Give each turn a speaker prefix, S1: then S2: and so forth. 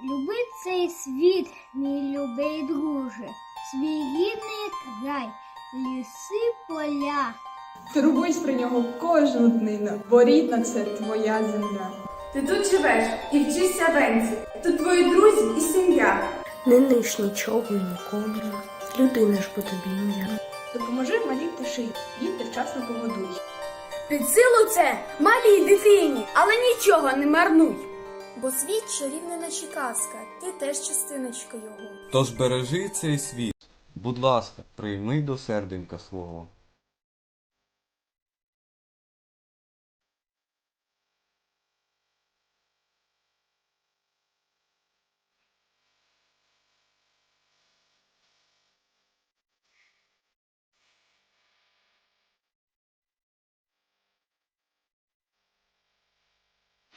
S1: Люби цей світ, мій любий друже, свій рідний край, ліси, поля.
S2: Турбуйся про нього кожну днину, бо рідна це твоя земля.
S3: Ти тут живеш і вчишся венці, тут твої друзі і сім'я.
S4: Не ниш нічого і нікому, людина ж бо тобі ім'я.
S2: Допоможи малій пташині, їдьте вчасно погодуй.
S3: Під силу це малій дитині, але нічого не марнуй.
S5: Бо світ чарівна наче казка, ти теж частиночка його.
S6: Тож бережи цей світ. Будь ласка, прийми до серденька свого.